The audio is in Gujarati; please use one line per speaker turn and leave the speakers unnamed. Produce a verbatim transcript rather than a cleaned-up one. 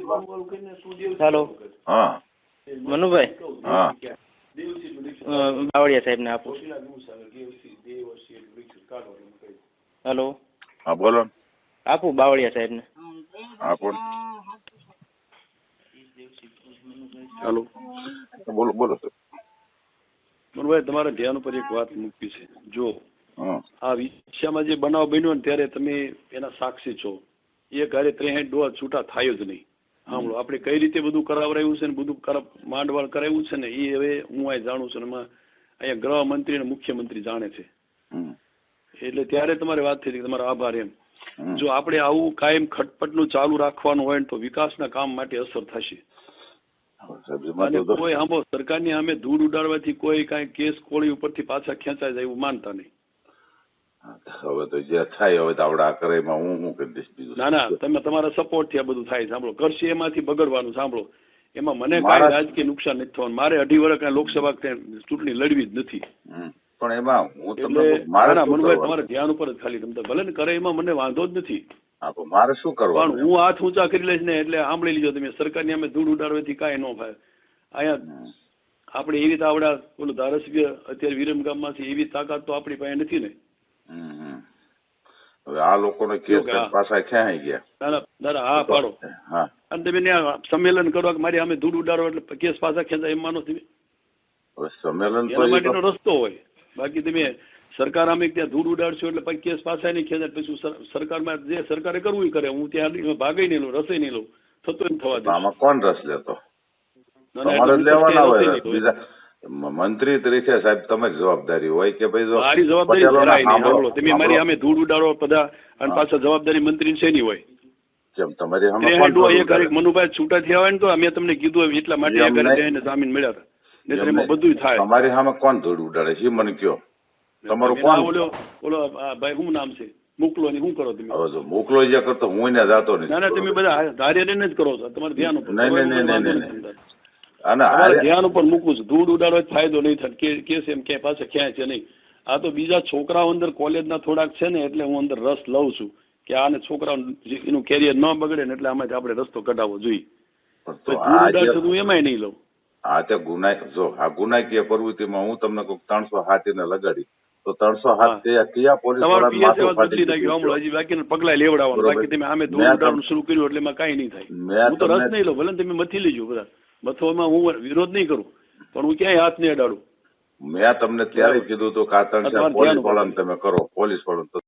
હેલો
હા
મનુભાઈ
હા
બાવળિયા સાહેબ ને આપો. હેલો
હા બોલો ને.
આપું બાવળિયા સાહેબ ને.
આપો ને.
હાલો
બોલો બોલો સર.
મનભાઈ, તમારા ધ્યાન ઉપર એક વાત મૂકવી છે. જો
હા
આ વિષયમાં જે બનાવ બન્યો ને ત્યારે તમે એના સાક્ષી છો. એ ઘરે ત્રેસઠ ડોઝ છૂટા થાય જ નહીં. સાંભળો, આપણે કઈ રીતે બધું કરાવરાયું છે ને બધું કર માંડવાળ કરાવ્યું છે ને એ હવે હું અહીં જાણું છું. એમાં અહીંયા ગૃહમંત્રી અને મુખ્યમંત્રી જાણે છે.
હમ.
એટલે ત્યારે તમારી વાત થઈ હતી, તમારો આભાર એમ.
હમ.
જો આપણે આવું કાયમ ખટપટનું ચાલુ રાખવાનું હોય ને તો વિકાસના કામ માટે અસર થશે.
સાહેબ, એમાં
અને
તો
કોઈ આંબો સરકારની સામે ધૂળ ઉડાડવાથી કોઈ કાંઈ કેસ કોળી ઉપરથી પાછા ખેંચાય જાય એવું માનતા નહીં.
હવે તો જે થાય હવે તો આપણે આ કરે એમાં હું શું કરી દઈશ બીજું.
ના ના, તમે તમારા સપોર્ટ થી આ બધું થાય. સાંભળો, કરશે એમાંથી બગડવાનું. સાંભળો, એમાં મને
મારા-
કાંઈ રાજકીય નુકસાન નથી થવાનું. મારે અઢી વર્ષ કાંઈ લોકસભા કાંઈ ચૂંટણી લડવી જ નથી.
હમ. પણ એમાં હું
એટલે
તમને મારે
ના
શું
મનભાઈ,
કરવાનું?
તમારા ધ્યાન ઉપર જ ખાલી તમે ભલે ને કરે એમાં મને વાંધો જ નથી.
હા, પણ મારે શું
પણ
કરવાનું?
હું હાથ ઊંચા કરી લઈશ ને એટલે સાંભળી લીધો તમે. સરકારની અમે ધૂળ ઉડાડવાથી કાંઈ ન થાય. અહીંયા આપણે એવી રીતે આવડા ઓલું ધારાસભ્ય અત્યારે વિરમગામમાંથી એવી તાકાત તો આપણી પાસે નથી ને.
હમ, હમ. હવે આ લોકોને કેસ
જો કે આ-
પાછા ક્યાં ગયા?
દાદા દાદા હા પાડો.
હા
અને તમે ત્યાં સંમેલન કરવા કે મારી અમે ધૂળ ઉડાડો એટલે કેસ પાછા ખેંચાય એમ માનો તમે?
હવે સંમેલન તો
એના
એ
માટેનો
તો-
રસ્તો હોય. બાકી તમે સરકાર અમે ત્યાં ધૂળ ઉડાડશો એટલે પછી કેસ પાછા નહીં ખેંચાય. પછી સર- સરકારમાં જે સરકારે કરવું એ કરે. હું ત્યાં ભાગે નહીં લઉં, રસે નહીં લઉં, થતો એમ થવા દે.
આમાં કોણ રસ લેતો?
ના, ના,
તમારે
એટલે હું
લેવાના
પછી
હોય
રસે
રસ.
નહીં લઉં.
બીજા મ- મંત્રી તરીકે સાહેબ તમારી જવાબદારી હોય કે ભાઈ જો
મારી જવાબદારી
પટેલોને
જરાય નહીં.
સાંભળો-
સાંભળો, તમે મારી
સાંભળો.
અમે ધૂળ ઉડાડો બધા અને
હા.
પાછા જવાબદારી મંત્રી શેની હોય?
જેમ તમારી સામે
ત્રેસઠ
કોણ
ડોઝ
ધૂળ
એક હારે
ઉડાડે?
મનુભાઈ છૂટા થયા હોય ને તો અમે તમને કીધું હોય એટલા માટે
એમ
એક હારે
નહીં.
જઈને જામીન મળ્યા હતા. નહીંતર
એમ
એમાં
નહીં.
બધું થાય.
તમારી સામે કોણ ધૂળ ઉડાડે છે એ મને કયો. તમારું
એના
કોણ?
ઓલો ઓલો આ ભાઈ શું નામ છે મોકલો ને શું કરો તમે?
હવે જો મોકલો જે કરતો હું એને જાતો નથી.
ના ના, તમે બધા ધાર્ય ને જ કરો છો. તમારે ધ્યાન ઉપર
નહીં, નહીં, નહીં,
વાંધો
નહીં,
નથી.
નહીં. અને
તમારે
આ-
ધ્યાન ઉપર મૂકવું છે. ધૂળ ઉડાડો ફાયદો નહીં થાય. કે કેસ એમ ક્યાંય પાછા ક્યાંય છે નહીં. આ તો બીજા છોકરાઓ અંદર કોલેજના થોડાક છે ને એટલે હું અંદર રસ લઉં છું કે આને છોકરાઓ એનું કેરિયર ન બગડે ને એટલે આમાંથી આપણે રસ્તો કઢાવવો જોઈએ.
પણ
તો
તો
ધૂળ
આ
ઉડાડશે
જે-
તો હું એમાંય નહીં લઉં.
આ તે ગુનાહ જો આ ગુનાકીય પ્રવૃત્તિમાં હું તમને કહું ત્રણસો હાથ એને લગાડી તો ત્રણસો હાથ
હા.
તે કયા પોલીસ
તમારો
વાળા
પીએસ
માથું
એવા
ફાટી
બદલી નાખ્યો. હમણાં હજી બાકીના પગલા લેવડાવવાનું.
બરોબર.
બાકી તમે આમે ધૂળ
મેં
ઉડાડવાનું
તમ-
શરૂ કર્યું એટલે એમાં કાંઈ નહીં થાય.
મેં
હું તો રસ
તમને-
નહીં લઉં. ભલે ને તમે મથી લેજો બધા. મથવામાં હું વિરોધ નહીં કરું પણ હું ક્યાંય હાથ નહીં અડાડું.
મેં તમને ત્યારે કીધું હતું કે આ ત્રણ ચાર
તમારે
પોલીસ
ધ્યાન
વાળાને
ઉપર.
તમે કરો પોલીસ વાળાને